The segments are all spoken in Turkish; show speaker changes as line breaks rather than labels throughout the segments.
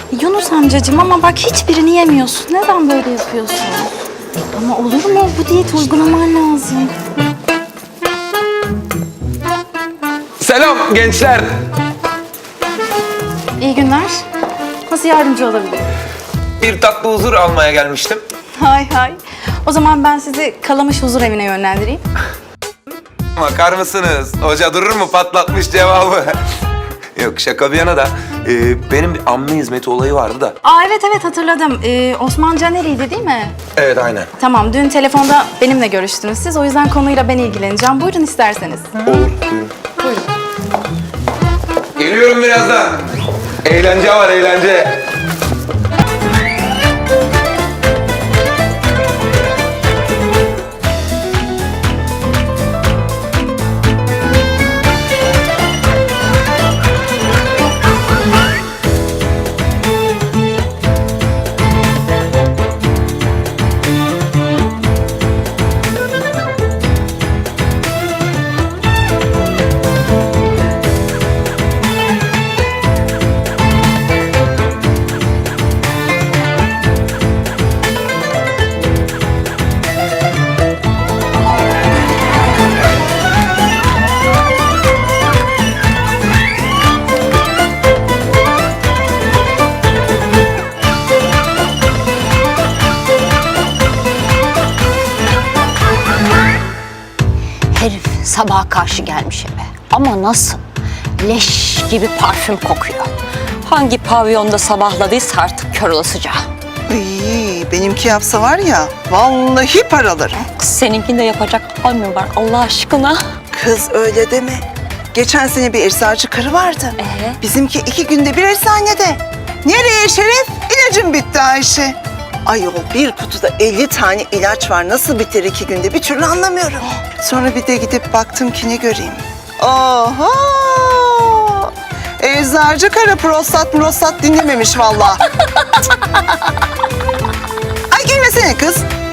Yunus amcacığım ama bak hiçbirini yemiyorsun. Neden böyle yapıyorsun? Ama olur mu? Bu diyet uygulaman lazım.
Selam gençler.
İyi günler. Nasıl yardımcı olabilirim?
Bir tatlı huzur almaya gelmiştim.
Hay hay. O zaman ben sizi Kalamış Huzur Evi'ne yönlendireyim.
Bakar mısınız? Hoca durur mu? Patlatmış cevabı. Yok şaka bir yana da benim bir amme hizmeti olayı vardı da.
Aa evet hatırladım. Osman Caner'iydi değil mi?
Evet aynen.
Tamam dün telefonda benimle görüştünüz siz. O yüzden konuyla ben ilgileneceğim. Buyurun isterseniz.
Olur. Buyurun.
Buyurun.
Geliyorum birazdan. Eğlence var eğlence.
Herif sabaha karşı gelmiş eve. Ama nasıl? Leş gibi parfüm kokuyor. Hangi pavyonda sabahladıysa artık kör olasıca.
İyi, benimki yapsa var ya, vallahi paralarım.
Kız seninkinde yapacak hal mi var Allah aşkına?
Kız öyle deme. Geçen sene bir eczacı karı vardı. Bizimki 2 günde bir eczanede. Nereye Şeref? İlacım bitti Ayşe. Ayol bir kutuda 50 tane ilaç var. Nasıl biter 2 günde? Bir türlü anlamıyorum. Sonra bir de gidip baktım ki ne göreyim. Oho! Eczacı karı prostat dinlememiş vallahi. Ay gülmesene kız.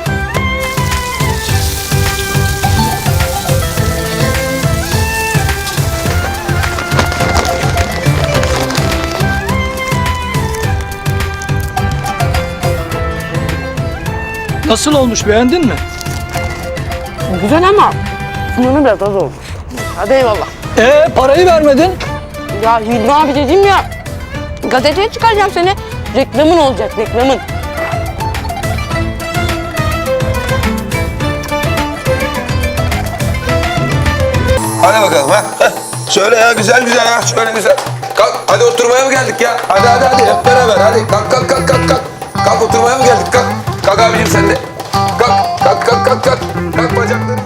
Nasıl olmuş, beğendin mi?
Güzel ama sunumu biraz az olmuş. Hadi eyvallah.
Parayı vermedin.
Ya Hilmi abi dedim ya, gazeteye çıkaracağım seni. Reklamın olacak, reklamın.
Hadi bakalım ha. Şöyle ya güzel ha. Şöyle güzel. Kalk hadi oturmaya mı geldik ya? Hadi hep beraber hadi. Kalk. Kalk oturmaya mı geldik? Kalk. Kalk abicim sen de. Kalk. Kalk bacakları.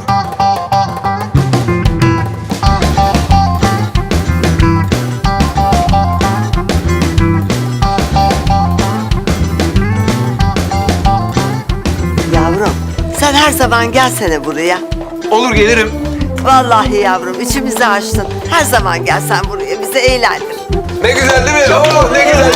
Yavrum, sen her zaman gelsene buraya.
Olur gelirim.
Vallahi yavrum, içimizi açtın. Her zaman gelsen buraya, bizi eğlendir.
Ne güzel değil mi? Oo, ne güzel.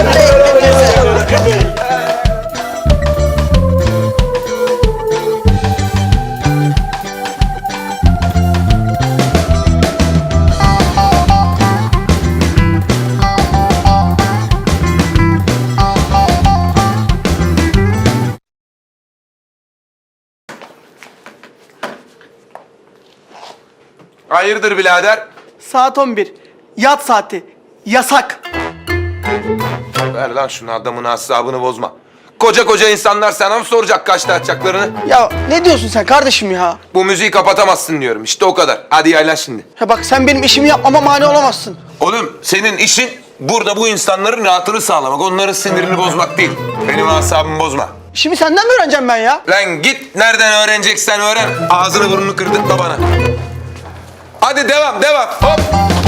Hayırdır birader?
Saat 11. Yat saati. Yasak.
Ver lan şunu adamın asabını bozma. Koca insanlar sana mı soracak kaçta açacaklarını?
Ya ne diyorsun sen kardeşim ya?
Bu müziği kapatamazsın diyorum. İşte o kadar. Hadi yaylan şimdi.
Ya bak sen benim işimi yapmama mani olamazsın.
Oğlum senin işin burada bu insanların rahatını sağlamak. Onların sinirini bozmak değil. Benim asabımı bozma.
İşimi senden mi öğreneceğim ben ya?
Lan git nereden öğreneceksen öğren. Ağzını burnunu kırdırtma bana. Hadi devam. Hop.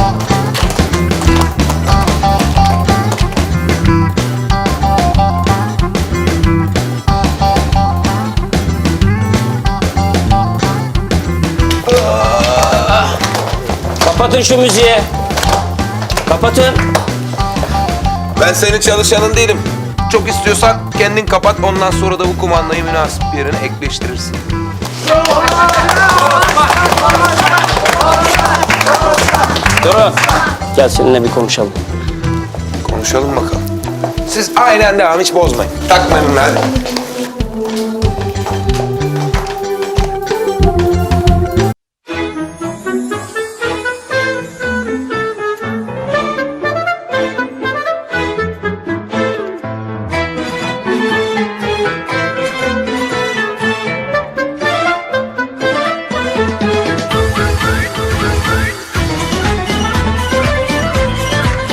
Kapatın şu müziği. Kapatın.
Ben senin çalışanın değilim. Çok istiyorsan kendin kapat. Ondan sonra da bu kumandayı münasip bir yerine ekleştirirsin.
Durun. Gel seninle bir konuşalım.
Konuşalım bakalım. Siz aynen devam, hiç bozmayın. Takmayın hadi.